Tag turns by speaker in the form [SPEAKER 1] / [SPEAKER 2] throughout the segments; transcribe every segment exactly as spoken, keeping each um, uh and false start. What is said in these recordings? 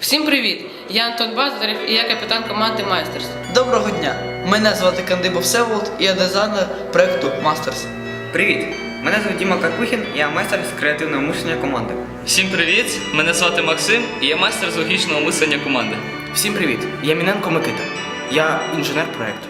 [SPEAKER 1] Всім привіт! Я Антон Баздарєв і я капітан команди Майстерс.
[SPEAKER 2] Доброго дня! Мене звати Кандиба Всеволод і я дизайнер проєкту Мастерс.
[SPEAKER 3] Привіт! Мене звуть Діма Карпухін, я майстер з креативного мислення команди.
[SPEAKER 4] Всім привіт! Мене звати Максим і я майстер з логічного мислення команди.
[SPEAKER 5] Всім привіт! Я Міненко Микита. Я інженер проєкту.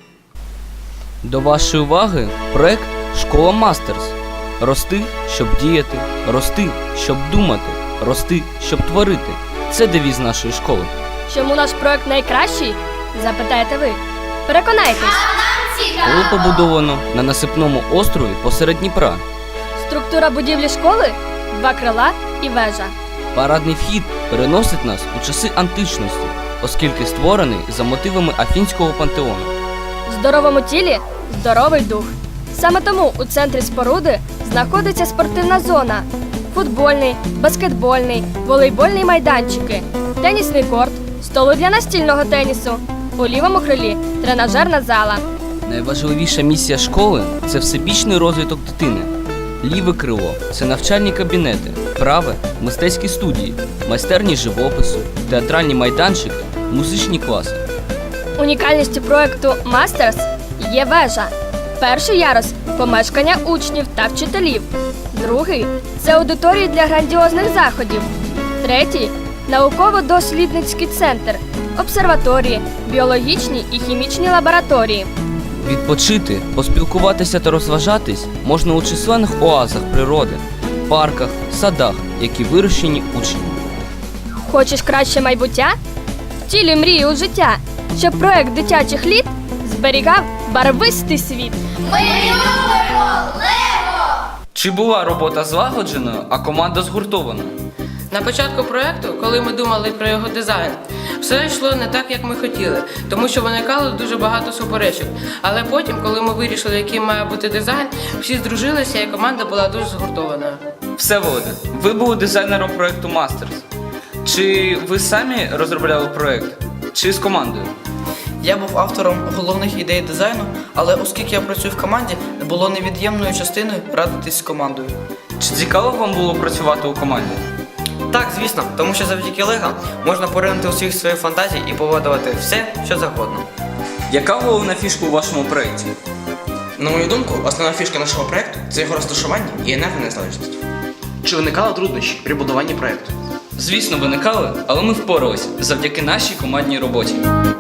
[SPEAKER 6] До вашої уваги проект «Школа Мастерс». Рости, щоб діяти, рости, щоб думати, рости, щоб творити. Це девіз нашої школи.
[SPEAKER 7] Чому наш проект найкращий? Запитаєте ви. Переконайтесь.
[SPEAKER 6] Школу побудовано на насипному острові посеред Дніпра.
[SPEAKER 7] Структура будівлі школи – два крила і вежа.
[SPEAKER 6] Парадний вхід переносить нас у часи античності, оскільки створений за мотивами Афінського пантеону.
[SPEAKER 7] В здоровому тілі – здоровий дух. Саме тому у центрі споруди знаходиться спортивна зона, футбольний, баскетбольний, волейбольний майданчики, тенісний корт, столи для настільного тенісу. У лівому крилі – тренажерна зала.
[SPEAKER 6] Найважливіша місія школи – це всебічний розвиток дитини. Ліве крило – це навчальні кабінети, праве – мистецькі студії, майстерні живопису, театральні майданчики, музичні класи.
[SPEAKER 7] Унікальністю проєкту «Мастерс» є вежа. Перший ярус – помешкання учнів та вчителів. Другий – це аудиторії для грандіозних заходів. Третій – науково-дослідницький центр, обсерваторії, біологічні і хімічні лабораторії.
[SPEAKER 6] Відпочити, поспілкуватися та розважатись можна у численних оазах природи, парках, садах, які вирощені учнями.
[SPEAKER 7] Хочеш краще майбуття? Втілюй мрії у життя, щоб проект дитячих літ зберігав барвистий світ.
[SPEAKER 8] Ми любимо Лего!
[SPEAKER 4] Чи була робота злагодженою, а команда згуртованою?
[SPEAKER 1] На початку проєкту, коли ми думали про його дизайн, все йшло не так, як ми хотіли, тому що виникало дуже багато суперечок. Але потім, коли ми вирішили, яким має бути дизайн, всі здружилися і команда була дуже згуртованою.
[SPEAKER 4] Всеволоде, ви були дизайнером проєкту Мастерс. Чи ви самі розробляли проєкт? Чи з командою?
[SPEAKER 2] Я був автором головних ідей дизайну, але оскільки я працюю в команді, було невід'ємною частиною радитись з командою.
[SPEAKER 4] Чи цікаво вам було працювати у команді?
[SPEAKER 3] Так, звісно, тому що завдяки Лего можна поринути у світ своїх фантазій і поводувати все, що завгодно.
[SPEAKER 4] Яка головна фішка у вашому проєкті?
[SPEAKER 5] На мою думку, основна фішка нашого проєкту – це його розташування і енергонезалежність. Чи виникали труднощі при будуванні проєкту?
[SPEAKER 4] Звісно, виникали, але ми впоралися завдяки нашій командній роботі.